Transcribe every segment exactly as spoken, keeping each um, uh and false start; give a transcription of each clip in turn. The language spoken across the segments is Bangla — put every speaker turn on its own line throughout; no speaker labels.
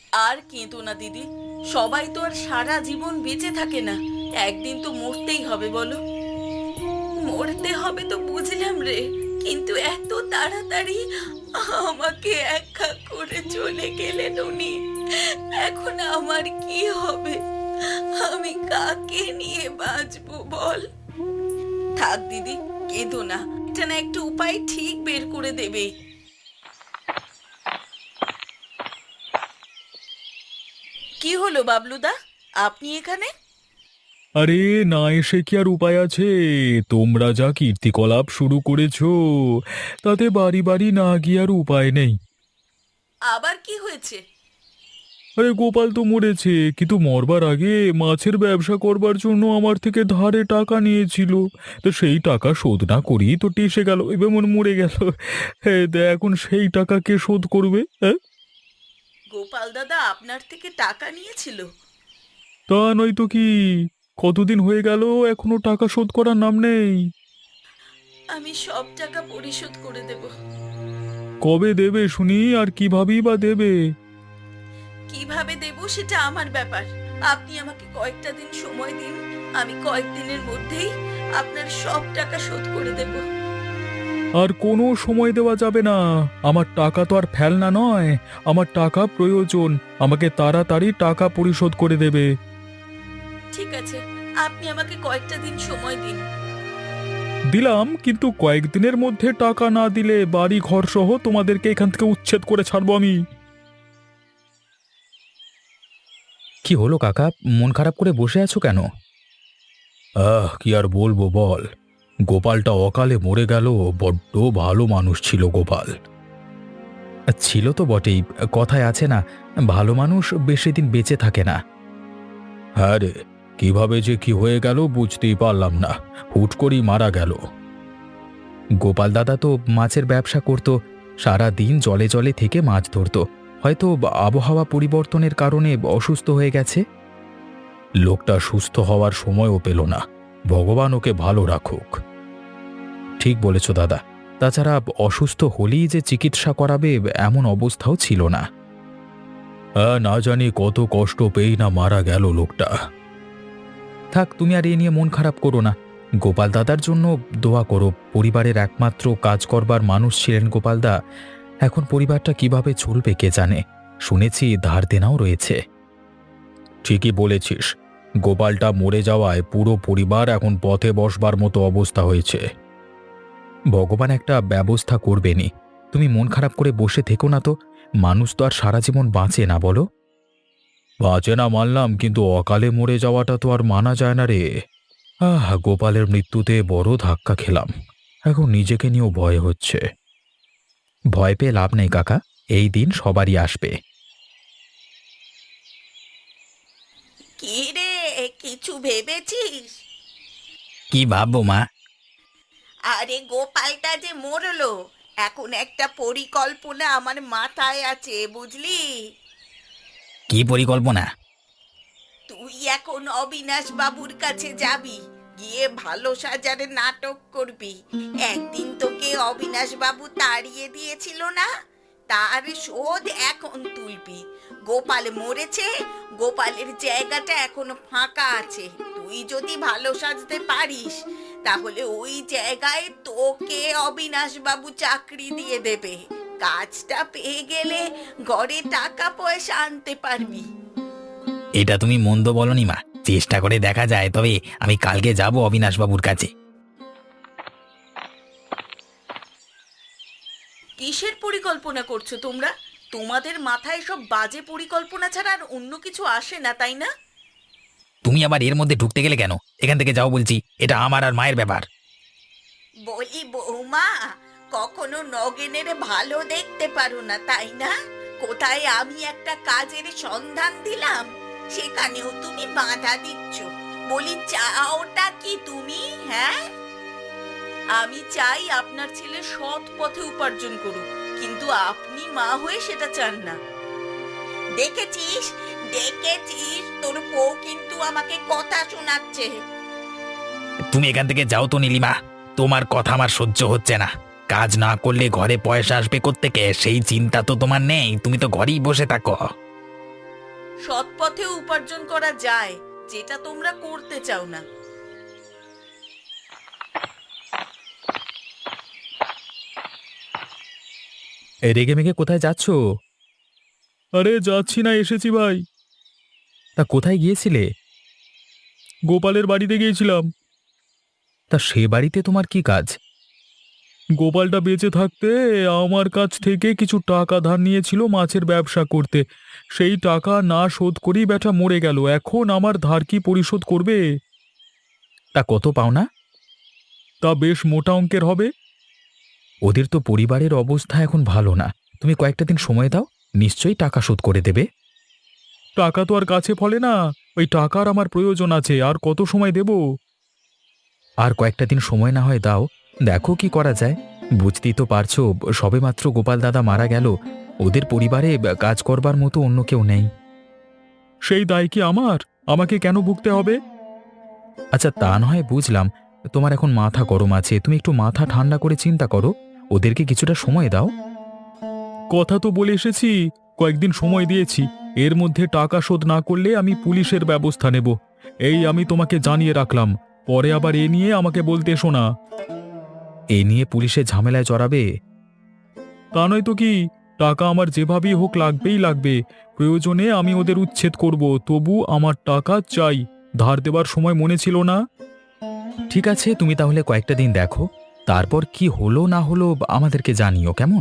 আর কেঁদো না দিদি, সবাই তো আর সারা জীবন বেঁচে থাকে না, একদিন তো মরতেই হবে বলো। মরতে হবে তো বুঝলাম রে, কিন্তু এত তাড়াতাড়ি আমাকে একা করে চলে গেলেন উনি। এখন আমার কি হবে? আমি কাকে নিয়ে বাঁচবো বল? থাক দিদি, কেঁদো না, এটা না একটু উপায় ঠিক বের করে দেবে। কি হলো বাবলুদা, আপনি এখানে?
আরে না এসে কি আর উপায় আছে? তোমরা যা কীর্তিকলাপ শুরু করেছো, তাতে বাড়ি বাড়ি না গিয়ে আর উপায় নেই।
আবার কি হয়েছে?
আরে গোপাল তো মরেছে, কিন্তু মরবার আগে মাছের ব্যবসা করবার জন্য আমার থেকে ধারে টাকা নিয়েছিল। তো সেই টাকা শোধ না করেই তো টেসে গেল, এবার মনে মরে গেল। হ্যাঁ, এখন সেই টাকা কে শোধ করবে? হ্যাঁ,
গোপাল দাদা আপনার থেকে টাকা নিয়েছিল?
তা নয় তো কি? কতদিন হয়ে গেল, এখনো টাকা শোধ করার নাম নেই।
আমি সব টাকা পরিশোধ করে দেব।
কবে দেবে শুনি, আর কিভাবেই বা দেবে?
কিভাবে দেব সেটা আমার ব্যাপার, আপনি আমাকে কয়েকটা দিন সময় দিন, আমি কয়েকদিনের মধ্যেই আপনার সব টাকা শোধ করে দেব।
আর কোনো সময় দেওয়া যাবে না। আমার টাকা তো আর ফেলনা নয়, আমার টাকা প্রয়োজন। আমাকে তাড়াতাড়ি টাকা পরিশোধ করে দেবে।
ঠিক আছে, আপনি আমাকে কয়েকটা দিন সময় দিন।
দিলাম, কিন্তু কয়েকদিনের মধ্যে টাকা না দিলে বাড়ি ঘর সহ তোমাদেরকে এখান থেকে উচ্ছেদ করে ছাড়বো আমি।
কি হলো কাকা, মন খারাপ করে বসে আছো কেন?
আহ, কি আর বলবো বল। গোপালটা অকালে মরে গেল। বড্ড ভালো মানুষ ছিল গোপাল।
ছিল তো বটেই, কথায় আছে না, ভালো মানুষ বেশি দিন বেঁচে থাকে না।
হ্যাঁ রে, কিভাবে যে কি হয়ে গেল বুঝতেই পারলাম না, হুট করেই মারা গেল।
গোপাল দাদা তো মাছের ব্যবসা করত, সারা দিন জলে জলে থেকে মাছ ধরতো। হয়তো আবহাওয়া পরিবর্তনের কারণে অসুস্থ হয়ে গেছে।
লোকটা সুস্থ হওয়ার সময়ও পেল না। ভগবান ওকে ভালো রাখুক।
ঠিক বলেছ দাদা, তাছাড়া অসুস্থ হলেই যে চিকিৎসা করাবে এমন অবস্থাও ছিল না।
হ্যাঁ, না জানি কত কষ্ট পেয়েই না মারা গেল লোকটা।
থাক, তুমি আর এ নিয়ে মন খারাপ করো না। গোপাল দাদার জন্য দোয়া করো। পরিবারের একমাত্র কাজ করবার মানুষ ছিলেন গোপালদা। এখন পরিবারটা কিভাবে চলবে কে জানে। শুনেছি ধার দেনাও রয়েছে।
ঠিকই বলেছিস, গোপালটা মরে যাওয়ায় পুরো পরিবার এখন পথে বসবার মতো অবস্থা হয়েছে।
ভগবান একটা ব্যবস্থা করবেনই। তুমি মন খারাপ করে বসে থেকো না তো। মানুষ তো আর সারা জীবন বাঁচে না, বলো?
বাঁচে না মানলাম, কিন্তু অকালে মরে যাওয়াটা তো আর মানা যায় না রে। আহ, গোপালের মৃত্যুতে বড় ধাক্কা খেলাম। এখন নিজেকে নিয়েও ভয় হচ্ছে।
ভয় পেয়ে লাভ নেই কাকা, এই দিন সবারই আসবে।
কি রে, কিছু ভেবেছিস?
কি ভাববো মা?
আরে গোপালটা যে মরলো, এখন একটা পরিকল্পনা আমার মাথায় আছে বুঝলি।
কি পরিকল্পনা?
তুই এখন অবিনাশ বাবুর কাছে যাবি, গিয়ে ভালো সাজারে নাটক করবি। একদিন তোকে অবিনাশ বাবু তাড়িয়ে দিয়েছিল না, তার শোধ এখন তুলবি। গোপাল মরেছে, গোপালের জায়গাটা এখনো ফাঁকা আছে। তুই যদি ভালো সাজতে পারিস, তাহলে ওই জায়গায় তোকে অবিনাশ বাবু চাকরি দিয়ে দেবে। কাজটা পেয়ে গেলে ঘরে টাকা পয়সা আনতে পারবি।
এটা তুমি মন্দ বলনি মা, চেষ্টা করে দেখা যায়। তবে আমি কালকে যাব অবিনাশবাবুর কাছে।
কিসের পরিকল্পনা করছো তোমরা? তোমাদের মাথায় সব বাজে পরিকল্পনা ছাড়া আর অন্য কিছু আসে না, তাই না?
তুমি আবার এর মধ্যে ঢুকতে গেলে কেন? এখান থেকে যাও বলছি, এটা আমার আর মায়ের ব্যাপার।
বলি বৌমা, কখনো নগেনের ভালো দেখতে পারো না তাই না? কোথায় আমি একটা কাজের সন্ধান দিলাম, সেখানেও তুমি বাধা দিচ্ছ। বলি চাওটা কি তুমি? হ্যাঁ, আমি চাই আপনার ছেলে সৎ পথে উপার্জন করুক, কিন্তু আপনি মা হয়ে সেটা চান না। দেখেছিস, দেখেছিস তোর বউ কিন্তু আমাকে কথা শোনাচ্ছে।
তুমি এখান থেকে যাও তো নীলিমা, তোমার কথা আমার সহ্য হচ্ছে না। কাজ না করলে ঘরে পয়সা আসবে কোত্থেকে সেই চিন্তা তো তোমার নেই, তুমি তো ঘরেই বসে থাকো।
সৎ পথে উপার্জন করা যায়, যেটা তোমরা করতে চাও না।
এ রেগে মেগে কোথায় যাচ্ছ?
আরে যাচ্ছি না, এসেছি ভাই।
তা কোথায় গিয়েছিলে?
গোপালের বাড়িতে গিয়েছিলাম।
তা সে বাড়িতে তোমার কি কাজ?
গোপালটা বেঁচে থাকতে আমার কাছ থেকে কিছু টাকা ধার নিয়েছিল মাছের ব্যবসা করতে। সেই টাকা না শোধ করেই ব্যাটা মরে গেল। এখন আমার ধার কি পরিশোধ করবে?
তা কত পাওনা?
তা বেশ মোটা অঙ্কের হবে।
ওদের তো পরিবারের অবস্থা এখন ভালো না। তুমি কয়েকটা দিন সময় দাও, নিশ্চয়ই টাকা শোধ করে দেবে।
টাকা তো আর কাছে ফলে না। ওই টাকার আমার প্রয়োজন আছে, আর কত সময় দেব?
আর কয়েকটা দিন সময় না হয় দাও, দেখো কি করা যায়। বুঝতেই তো পারছো, সবেমাত্র গোপাল দাদা মারা গেল। ওদের পরিবারে কাজ করবার মতো অন্য কেউ নেই।
সেই দায় কি আমার? আমাকে কেন ভুগতে হবে?
আচ্ছা, তা না হয় বুঝলাম, তোমার এখন মাথা গরম আছে। তুমি একটু মাথা ঠান্ডা করে চিন্তা করো, ওদেরকে কিছুটা সময় দাও।
কথা তো বলে এসেছি, কয়েকদিন সময় দিয়েছি। এর মধ্যে টাকা শোধ না করলে আমি পুলিশের ব্যবস্থা নেব। এই আমি তোমাকে জানিয়ে রাখলাম, পরে আবার এ নিয়ে আমাকে বলতে এসো না।
এই নিয়ে পুলিশের ঝামেলায় জড়াবে?
তা নয় তো কি, টাকা আমার যেভাবেই হোক লাগবেই লাগবে। প্রয়োজনে আমি ওদের উচ্ছেদ করব, তবু আমার টাকা চাই। ধার দেবার সময় মনে ছিল না?
ঠিক আছে, তুমি তাহলে কয়েকটা দিন দেখো, তারপর কি হলো না হলো আমাদেরকে জানিও, কেমন?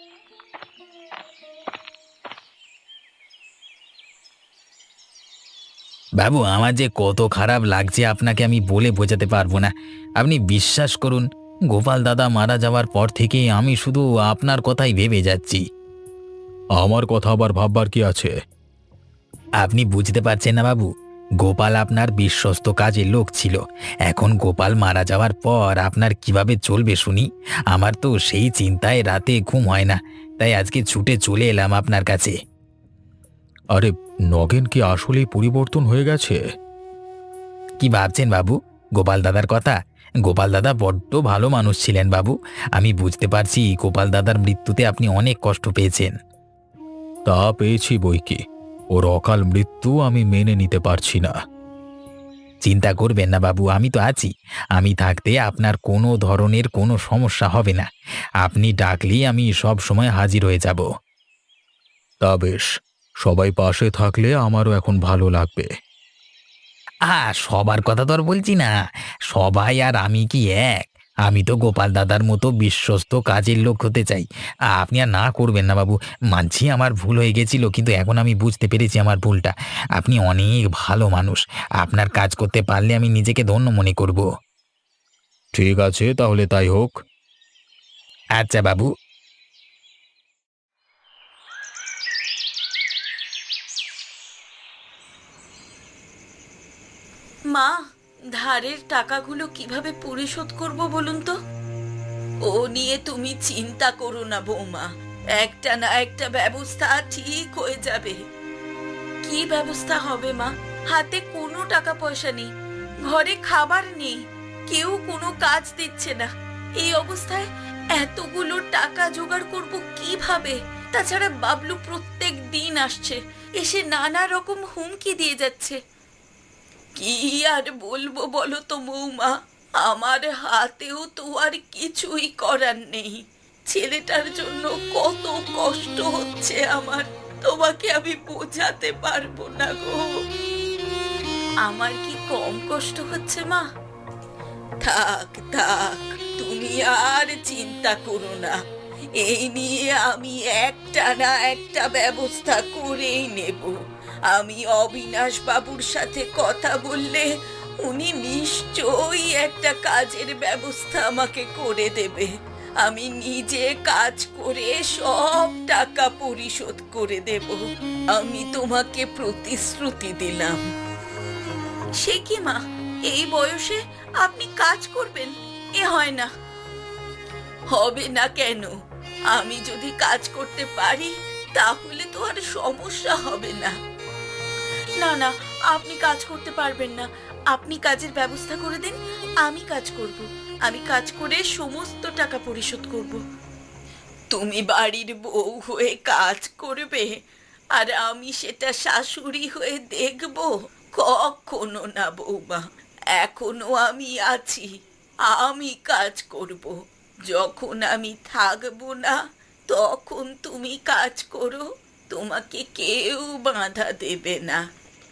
বাবু, আমার যে কত খারাপ লাগছে আপনাকে আমি বলে বোঝাতে পারবো না। আপনি বিশ্বাস করুন, গোপাল দাদা মারা যাওয়ার পর থেকে আমি শুধু আপনার কথাই ভেবে যাচ্ছি।
আমার কথা আবার ভাববার কি আছে?
আপনি বুঝতে পারছেন না বাবু, গোপাল আপনার বিশ্বস্ত কাজের লোক ছিল। এখন গোপাল মারা যাওয়ার পর আপনার কিভাবে চলবে শুনি। আমার তো সেই চিন্তায় রাতে ঘুম হয় না, তাই আজকে ছুটে চলে এলাম আপনার কাছে।
আরে, নগেন কি আসলেই পরিবর্তন হয়ে গেছে?
কি ভাবছেন বাবু গোপাল দাদার কথা? গোপাল দাদা বড্ড ভালো মানুষ ছিলেন বাবু। আমি বুঝতে পারছি গোপাল দাদার মৃত্যুতে আপনি অনেক কষ্ট পেয়েছেন।
তা পেয়েছি বই কি, ওর অকাল মৃত্যু আমি মেনে নিতে পারছি না।
চিন্তা করবেন না বাবু, আমি তো আছি। আমি থাকতে আপনার কোনো ধরনের কোনো সমস্যা হবে না। আপনি ডাকলেই আমি সব সময় হাজির হয়ে যাব।
তা বেশ, সবাই পাশে থাকলে আমারও এখন ভালো লাগবে।
আ সবার কথা তো আর বলছি না, সবাই আর আমি কি এক? আমি তো গোপাল দাদার মতো বিশ্বস্ত কাজের লোক হতে চাই। আপনি আর না করবেন না বাবু। মানছি আমার ভুল হয়ে গেছিল, কিন্তু এখন আমি বুঝতে পেরেছি আমার ভুলটা। আপনি অনেক ভালো মানুষ, আপনার কাজ করতে পারলে আমি নিজেকে ধন্য মনে করব।
ঠিক আছে, তাহলে তাই হোক।
আচ্ছা বাবু।
মা, ধারের টাকাগুলো কিভাবে পরিশোধ করব বলুন তো? ও নিয়ে তুমি চিন্তা করো না বৌমা, একটা না একটা ব্যবস্থা ঠিক হয়ে যাবে। কি ব্যবস্থা হবে মা? হাতে কোনো টাকা পয়সা নেই, ঘরে খাবার নেই, কেউ কোনো কাজ দিচ্ছে না। এই অবস্থায় এতগুলো টাকা জোগাড় করব কিভাবে? তাছাড়া বাবলু প্রত্যেক দিন আসছে, এসে নানা রকম হুমকি দিয়ে যাচ্ছে। কি আর বলবো বলো তো বৌমা, আমার হাতেও তো আর কিছুই করার নেই। ছেলেটার জন্য কত কষ্ট হচ্ছে আমার, তোমাকে আমি বোঝাতে পারবো না গো। আমার কি কম কষ্ট হচ্ছে মা? থাক থাক, তুমি আর চিন্তা করো না। এই নিয়ে আমি একটা না একটা ব্যবস্থা করেই নেব। আমি অবিনাশ বাবুর সাথে কথা বললে উনি নিশ্চয়ই একটা কাজের ব্যবস্থা আমাকে করে দেবে। আমি নিজে কাজ করে সব টাকা পরিশোধ করে দেব, আমি তোমাকে প্রতিশ্রুতি দিলাম। সে কি মা, এই বয়সে আপনি কাজ করবেন? এ হয় না। হবে না কেন? আমি যদি কাজ করতে পারি তাহলে তো আর সমস্যা হবে না। না না, আপনি কাজ করতে পারবেন না। আপনি কাজের ব্যবস্থা করে দিন, আমি কাজ করব। আমি কাজ করে সমস্ত টাকা পরিশোধ করব। তুমি বাড়ির বউ হয়ে কাজ করবে আর আমি সেটা শাশুড়ি হয়ে দেখব? কখনো না বৌমা। এখনো আমি আছি, আমি কাজ করব। যখন আমি থাকবো না তখন তুমি কাজ করো, তোমাকে কেউ বাধা দেবে না।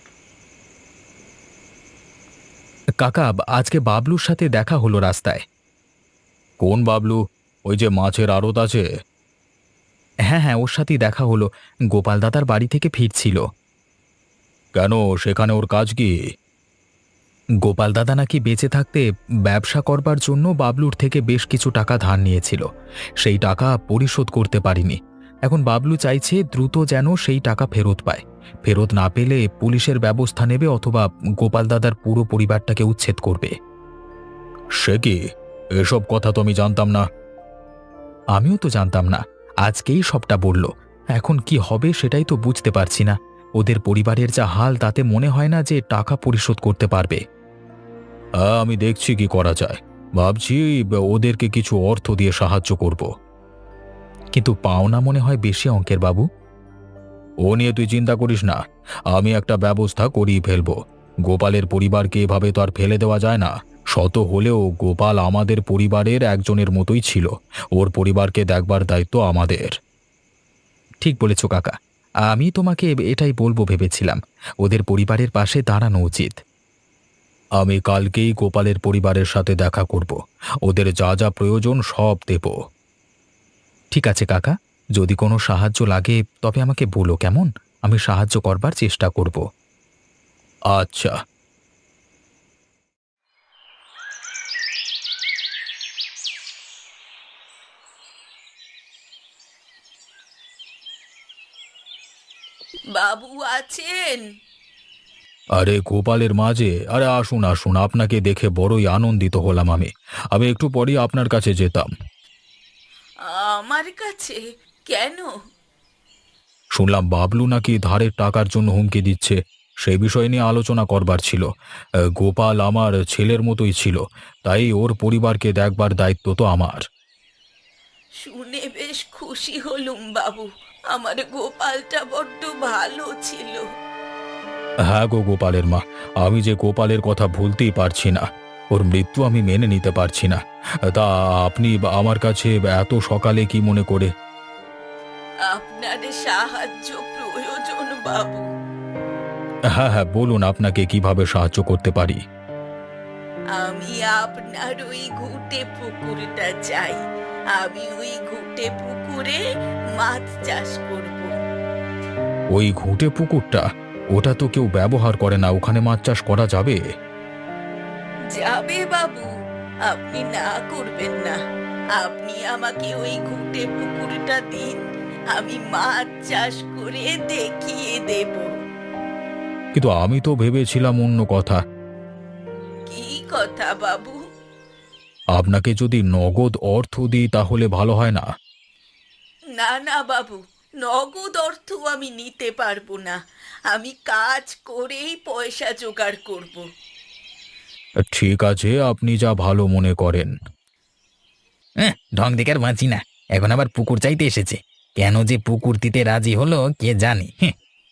কাকা, আজকে বাবলুর সাথে দেখা হলো রাস্তায়।
কোন বাবলু? ওই যে মাছের আড়ত আছে?
হ্যাঁ হ্যাঁ, ওর সাথেই দেখা হলো। গোপাল দাদার বাড়ি থেকে ফিরছিল।
কেন, সেখানে ওর কাজ কি?
গোপাল দাদা নাকি বেঁচে থাকতে ব্যবসা করবার জন্য বাবলুর থেকে বেশ কিছু টাকা ধার নিয়েছিল। সেই টাকা পরিশোধ করতে পারিনি। এখন বাবলু চাইছে দ্রুত যেন সেই টাকা ফেরত পায়। ফেরত না পেলে পুলিশের ব্যবস্থা নেবে অথবা গোপাল দাদার পুরো পরিবারটাকে উচ্ছেদ করবে।
সে কি? এসব কথা তো আমি জানতাম না।
আমিও তো জানতাম না, আজকেই সবটা বলল। এখন কি হবে সেটাই তো বুঝতে পারছি না। ওদের পরিবারের যা হাল, তাতে মনে হয় না যে টাকা পরিশোধ করতে পারবে।
হ্যাঁ, আমি দেখছি কি করা যায়। ভাবছি ওদেরকে কিছু অর্থ দিয়ে সাহায্য করব।
কিন্তু পাওনা মনে হয় বেশি অঙ্কের বাবু।
ও নিয়ে তুই চিন্তা করিস না, আমি একটা ব্যবস্থা করিয়ে ফেলবো। গোপালের পরিবারকে এভাবে তো আর ফেলে দেওয়া যায় না। শত হলেও গোপাল আমাদের পরিবারের একজনের মতোই ছিল। ওর পরিবারকে দেখবার দায়িত্ব আমাদের।
ঠিক বলেছ কাকা, আমি তোমাকে এটাই বলবো ভেবেছিলাম। ওদের পরিবারের পাশে দাঁড়ানো উচিত।
আমি কালকেই গোপালের পরিবারের সাথে দেখা করব। ওদের যা যা প্রয়োজন সব দেব।
ঠিক আছে কাকা, যদি কোনো সাহায্য লাগে তবে আমাকে বলো কেমন। আমি সাহায্য করবার চেষ্টা করব।
আচ্ছা।
বাবু আছেন?
আরে গোপালের মাঝে, আরে আসুন আসুন, আপনাকে দেখে বড়ই আনন্দিত হলাম। আমি আমি একটু পরেই আপনার কাছে যেতাম।
আমার কাছে কেন?
শুনলাম বাবলু নাকি ধারের টাকার জন্য হুমকি দিচ্ছে। সেই বিষয় নিয়ে আলোচনা করবার ছিল। আহ, গোপাল আমার ছেলের মতোই ছিল, তাই ওর পরিবারকে দেখবার দায়িত্ব তো আমার।
শুনে বেশ খুশি হলুম বাবু। আমার গোপালটা বড্ড ভালো ছিল।
হ্যাঁ গো গোপালের মা, আমি যে গোপালের কথা ভুলতেই পারছি না। ওর মৃত্যু আমি মেনে নিতে পারছি না। তা আপনি আমার কাছে এত সকালে কি মনে করে?
আপনার সাহায্য প্রয়োজন বাবু।
হ্যাঁ হ্যাঁ, বলুন আপনাকে কিভাবে সাহায্য করতে পারি।
আমি আপনার ওই ঘুটে পুকুরটা চাই। আমি ওই ঘুটে পুকুরে মাছ চাষ করব।
ওই ঘুঁটে পুকুরটা? ওটা তো কেউ ব্যবহার করে না, ওখানে মাছ চাষ করা যাবে?
যাবে বাবু, আপনি না করবেন না। আপনি আমাকে ওই ঘুটে পুকুরটা দিন, আমি মাছ চাষ করে দেখিয়ে দেব।
কিন্তু আমি তো ভেবেছিলাম অন্য কথা।
কি কথা বাবু?
আপনাকে যদি নগদ অর্থ দিই তাহলে ভালো হয় না?
না না বাবু, নগদ অর্থ আমি নিতে পারবো না। আমি কাজ করেই পয়সা জোগাড় করব।
ঠিক আছে, আপনি যা ভালো মনে করেন।
ঢং দেখে আর বাঁচি না, এখন আবার পুকুর চাইতে এসেছে। কেন যে পুকুর দিতে রাজি হলো কে জানে। হ্যাঁ।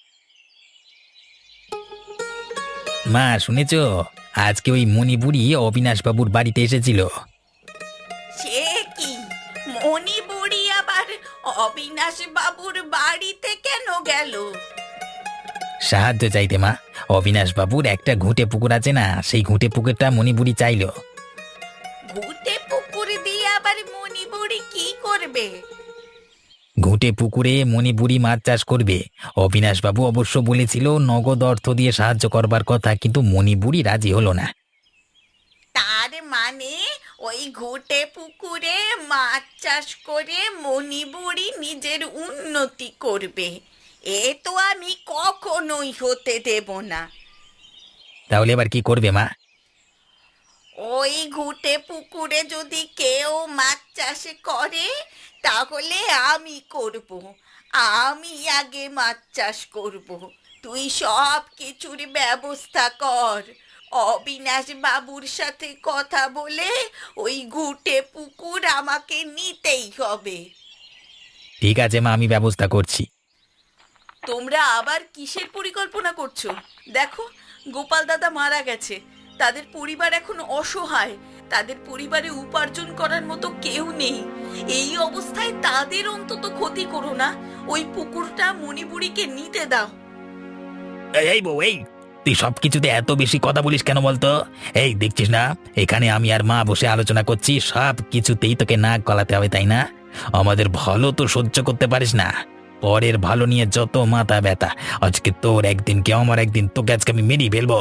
মা, শুনেছ? আজকে ওই মণিপুরি অবিনাশ বাবুর বাড়িতে এসেছিল।
সে কি? মণিপুরি আবার অবিনাশ বাবুর বাড়িতে কেন গেল?
সাহায্য চাইতে মা। অবিনাশ বাবুর একটা ঘুঁটে পুকুর আছে না, সেই ঘুঁটে পুকুরটা মণিপুরি চাইলো।
ঘুটে পুকুর দিয়ে আবার মণিপুরি কি করবে?
ঘুঁটে পুকুরে মণিপুরি মাছ চাষ করবে। অবিনাশ বাবু অবশ্য বলেছিল নগদ অর্থ দিয়ে সাহায্য করবার কথা, কিন্তু মণিপুরি রাজি হলো না।
তার মানে ওই ঘুটে পুকুরে মাছ চাষ করে মণিপুরি নিজের উন্নতি করবে? এ তো আমি কখনোই হতে দেব না।
তাহলে এবার কি করবে মা?
ওই ঘুটে পুকুরে যদি কেউ মাছ চাষ করে তাহলে আমি করব। আমি আগে মাছ চাষ করব। তুই সব কিছুর ব্যবস্থা কর। অবিনাশ বাবুর সাথে কথা বলে ওই ঘুটে পুকুর আমাকে নিতেই হবে।
ঠিক আছে মা, আমি ব্যবস্থা করছি।
তোমরা আবার কিসের পরিকল্পনা করছো? দেখো, গোপাল দাদা মারা গেছে, তাদের পরিবার এখন অসহায়, তাদের পরিবারে উপার্জন করার মতো কেউ নেই। এই অবস্থায় তাদের অন্তত ক্ষতি করো না, ওই পুকুরটা মণিপুরীকে নিতে দাও।
এই এই বউ, এই তুই সব কিছুতে এত বেশি কথা বলিস কেন বলতো? এই দেখছিস না, এখানে আমি আর মা বসে আলোচনা করছি, সব কিছুতেই তোকে নাক গলাতে হবে, তাই না? আমাদের ভালো তো সহ্য করতে পারিস না, পরের ভালো নিয়ে যত মাথা ব্যথা। আজকে তোর একদিন কে আমার একদিন, তোকে আজকে আমি মেরেই ফেলবো।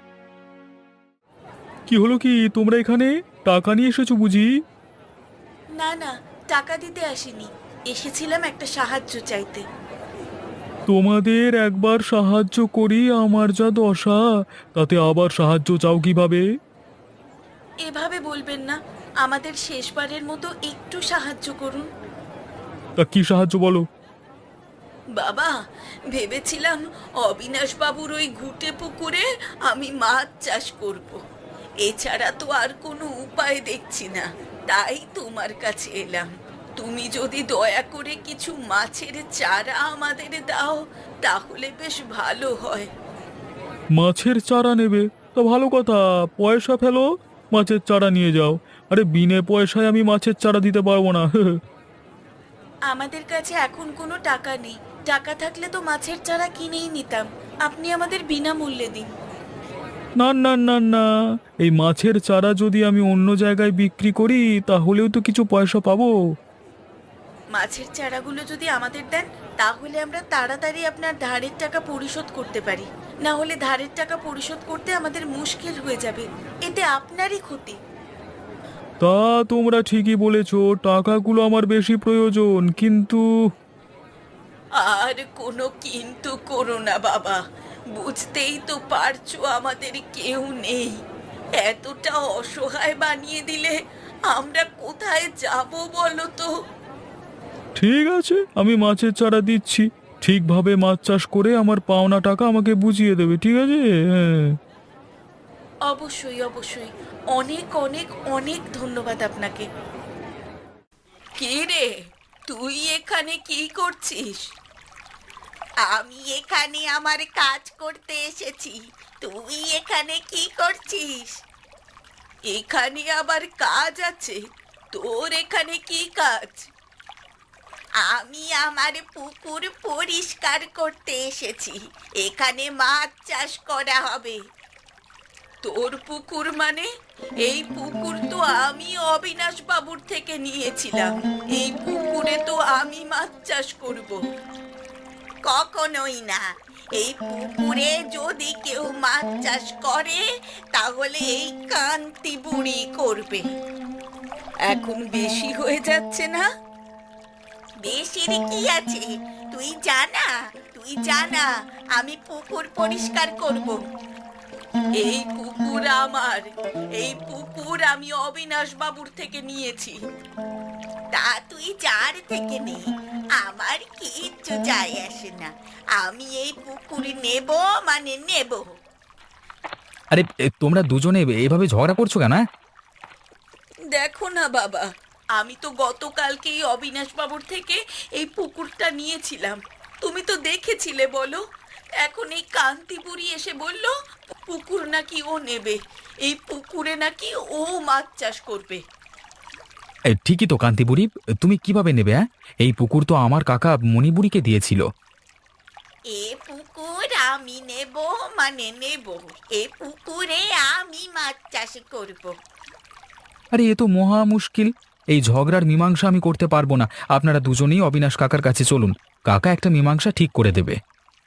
কি হলো কি, তোমরা এখানে টাকা নিয়ে এসেছো বুঝি?
না না, টাকা দিতে আসিনি, এসেছিলাম একটা সাহায্য চাইতে।
তোমাদের একবার সাহায্য করি, আমার যা দশা, তাতে আবার সাহায্য চাও কিভাবে?
এভাবে বলবেন না, আমাদের শেষবারের মতো একটু সাহায্য করুন।
তা কি সাহায্য বলো?
বাবা, ভেবেছিলাম অবিনাশ বাবুর ওই ঘুটে পুকুরে আমি মাছ চাষ করব। এছাড়া তো আর কোনো উপায় দেখছি না, তাই তোমার কাছে এলাম। তুমি যদি দয়া করে কিছু মাছের চারা আমাদের দাও তাহলে বেশ ভালো হয়।
মাছের চারা নেবে? তা ভালো কথা, পয়সা ফেলো, মাছের চারা নিয়ে যাও। আরে বিনে পয়সায় আমি মাছের চারা দিতে পারবো না।
আমাদের কাছে এখন কোনো টাকা নেই, টাকা থাকলে তো মাছের চারা কিনেই নিতাম। আপনি আমাদের বিনামূল্যে দিন।
না না না না, এই মাছের চারা যদি আমি অন্য জায়গায় বিক্রি করি তাহলেও তো কিছু পয়সা পাবো।
মাছের চারাগুলো যদি আমাদের দেন তাহলে আমরা তাড়াতাড়ি আপনার ধারের টাকা পরিশোধ করতে পারি, না হলে ধারের টাকা পরিশোধ করতে আমাদের মুশকিল হয়ে যাবে, এতে আপনারই ক্ষতি।
তা তোমরা ঠিকই বলেছো, টাকাগুলো আমার বেশি প্রয়োজন, কিন্তু
আর কোনো কিন্তু করো না বাবা, বুঝতেই তো পারছো আমাদের কেউ নেই। এতটা অসহায় বানিয়ে দিলে আমরা কোথায় যাব বলো তো?
ঠিক আছে, আমি মাছের চারা দিচ্ছি, ঠিকভাবে মাছ চাষ করে আমার পাওনা টাকা আমাকে বুঝিয়ে দেবে, ঠিক আছে? হ্যাঁ।
অবশ্যই অবশ্যই, অনেক অনেক অনেক ধন্যবাদ আপনাকে। কে রে, তুই এখানে কি করছিস? আমি এখানে আমার কাজ করতে এসেছি, তুই এখানে কি করছিস? এখানে আবার কাজ আছে? তোর এখানে কি কাজ? আমি আমার পুকুর পরিষ্কার করতে এসেছি, এখানে মাছ চাষ করা হবে। তোর পুকুর মানে? এই পুকুর তো আমি অবিনাশ বাবুর থেকে নিয়েছিলাম, এই পুকুরে তো আমি মাছ চাষ করব। কখনোই না, এই পুকুরে যদি কেউ মাছ চাষ করে তাহলে এই কান্তি বুড়ি করবে। এখন বেশি হয়ে যাচ্ছে না? বেশির কি আছে, তুই জানা, তুই জানা আমি পুকুর পরিষ্কার করব। এই পুকুর আমার, এই পুকুর আমি অবিনাশ বাবুর থেকে নিয়েছি। তা তুই যার থেকে নে, আমার কিচ্ছু যায় আসে না, আমি এই পুকুর নেব মানে নেব।
আরে এ, তোমরা দুজনে এভাবে ঝগড়া করছো কেন? হ্যাঁ?
দেখো না বাবা, আমি তো গতকালকেই অবিনাশ বাবুর থেকে এই পুকুরটা নিয়েছিলাম, তুমি তো দেখেছিলে বলো। এখন এই কান্তিপুরি এসে বলল পুকুর নাকি ও নেবে, এই পুকুরে নাকি ও মাছ চাষ করবে।
এ, ঠিকই তো কান্তিবুড়ি, তুমি কিভাবে নেবে? হ্যাঁ, এই পুকুর তো আমার কাকা মণিবুড়িকে দিয়েছিল।
এ পুকুর আমি নেব মানে নেব, এ পুকুরে আমি মাছ চাষ করব।
আরে এ তো মহা মুশকিল, এই ঝগড়ার মীমাংসা আমি করতে পারবো না। আপনারা দুজনেই অবিনাশ কাকার কাছে চলুন, কাকা একটা মীমাংসা ঠিক করে দেবে।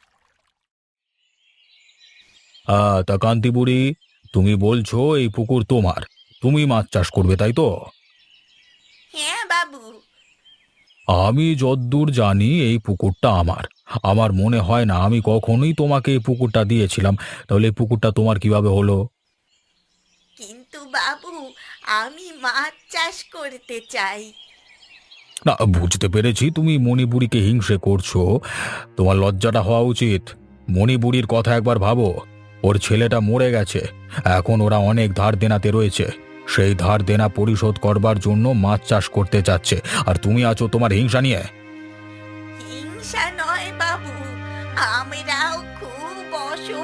হ্যাঁ, তা কান্তি বুড়ি, তুমি বলছো এই পুকুর তোমার, তুমি মাছ চাষ করবে, তাই তো?
হ্যাঁ বাবু।
আমি যদ্দূর জানি এই পুকুরটা আমার, আমার মনে হয় না আমি কখনোই তোমাকে এই পুকুরটা দিয়েছিলাম, তাহলে এই পুকুরটা তোমার কিভাবে হলো?
কিন্তু বাবু, আমি মাছ চাষ করতে চাই।
না, বুঝতে পেরেছি তুমি মণিবুড়িকে হিংসে করছো, তোমার লজ্জাটা হওয়া উচিত। মণিবুড়ির কথা একবার ভাবো, ওর ছেলেটা মরে গেছে, এখন ওরা অনেক ধার দেনাতে রয়েছে, সেই ধার দেনা পরিশোধ করবার জন্য মাছ চাষ করতে চাচ্ছে, আর তুমি আছো তোমার হিংসা নিয়ে।
হিংসা নয় বাবু,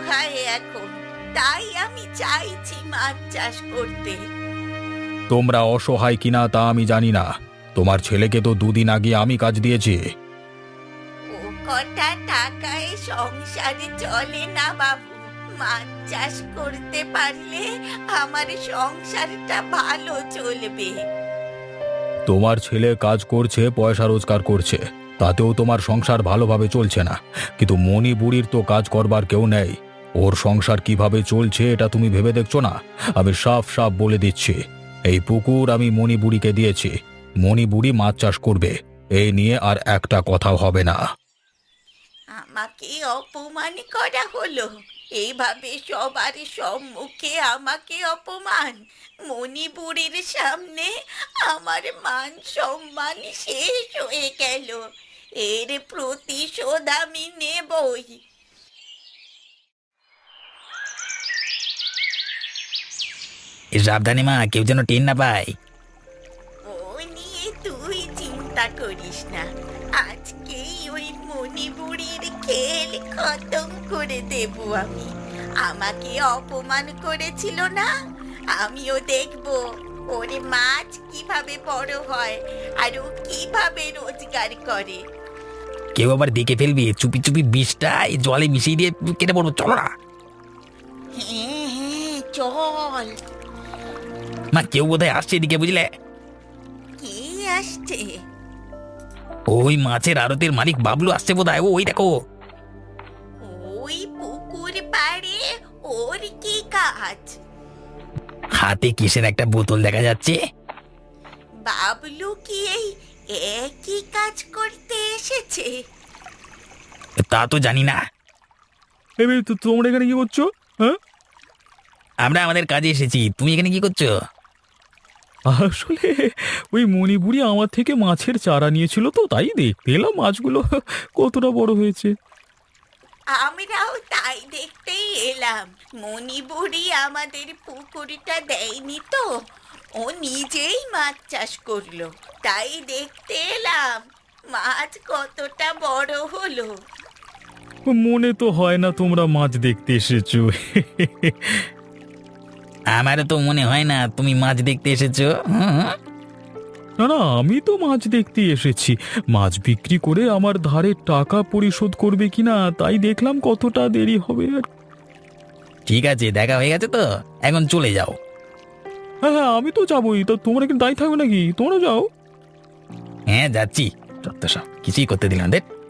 অসহায় এখন, তাই আমি চাইছি মাছ চাষ করতে।
তোমরা অসহায় কিনা তা আমি জানি না, তোমার ছেলেকে তো দুদিন আগে আমি কাজ দিয়েছি।
ও কটা টাকায় সংসারে চলে না বাবু। মাছ চাষ করতে পারলে আমার সংসারটা ভালো চলবে।
তোমার ছেলে কাজ করছে, পয়সা রোজগার করছে, তাতেও তোমার সংসার ভালোভাবে চলছে না। কিন্তু মণি বুড়ির তো কাজ করবার কেউ নেই, ওর সংসার কিভাবে চলছে এটা তুমি ভেবে দেখছো না? আমি সাফ সাফ বলে দিচ্ছি, এই পুকুর আমি মণি বুড়িকে দিয়েছি, মণি বুড়ি মাছ চাষ করবে, এই নিয়ে আর একটা কথাও হবে না।
আমাকে অপমান করা হলো, এইভাবে সবার সম্মুখে আমাকে অপমান। মণিপুরের সামনে আমার মান সম্মান শেষ হয়ে গেল। এর প্রতিশোধ আমি নেবই।
সাবধানে মা, কেউ যেন টেন না পায়।
ও নিয়ে তুই চিন্তা করিস না, আজকেই ওই মণিপুরের খেল খতম করে দেব আমি। আমাকে অপমান করেছিল না, আমিও দেখব ওরে মাছ কিভাবে বড় হয় আর ও কিভাবে রোজগার করে।
কেউ আবার দেখে ফেলবে, চুপি চুপি বিষটা এই জলে মিশিয়ে দিয়ে কেটে পড়বো, চলো না।
হ্যাঁ হ্যাঁ চল।
মা, কেউ বোধহয় আসছে এদিকে, বুঝলে?
কে আসছে?
ওই মাছের আড়তের মালিক বাবলু আসছে বোধহয়, ও ওই দেখো।
ওই পুকুর পাড়ে ওর কি কাজ?
হাতে কিসের একটা বোতল দেখা যাচ্ছে।
বাবলু কি এই একই কাজ করতে এসেছে?
তা তো জানি না,
এই তো তোমরা এখানে কি করছো? হ্যাঁ,
আমরা আমাদের কাজে এসেছি, তুমি এখানে কি করছো?
আসলে ওই মণিপুরি আমার থেকে মাছের চারা নিয়েছিল, তো তাই দেখতে এলাম মাছগুলো কতটা বড় হয়েছে।
আমরাও তাই দেখতেই এলাম। মণিপুরি আমাদের পুকুরটা দেয়নি তো, ও নিজেই মাছ চাষ করলো, তাই দেখতে এলাম মাছ কতটা বড় হলো।
মনে তো হয় না তোমরা মাছ দেখতে এসেছো।
আমারও তো মনে হয় না তুমি মাছ দেখতে এসেছো। হুম।
না না, আমি তো মাছ দেখতে এসেছি, মাছ বিক্রি করে আমার ধারের টাকা পরিশোধ করবে কিনা তাই দেখলাম কতটা দেরি হবে। আর
ঠিক আছে, দেখা হয়ে গেছে তো, এখন চলে যাও।
হ্যাঁ হ্যাঁ, আমি তো যাবোই, তো তোমরা কিন্তু দায়ী থাকবে নাকি? তোমরা যাও।
হ্যাঁ যাচ্ছি, যত সব কিছুই করতে দিলাম, দেখ।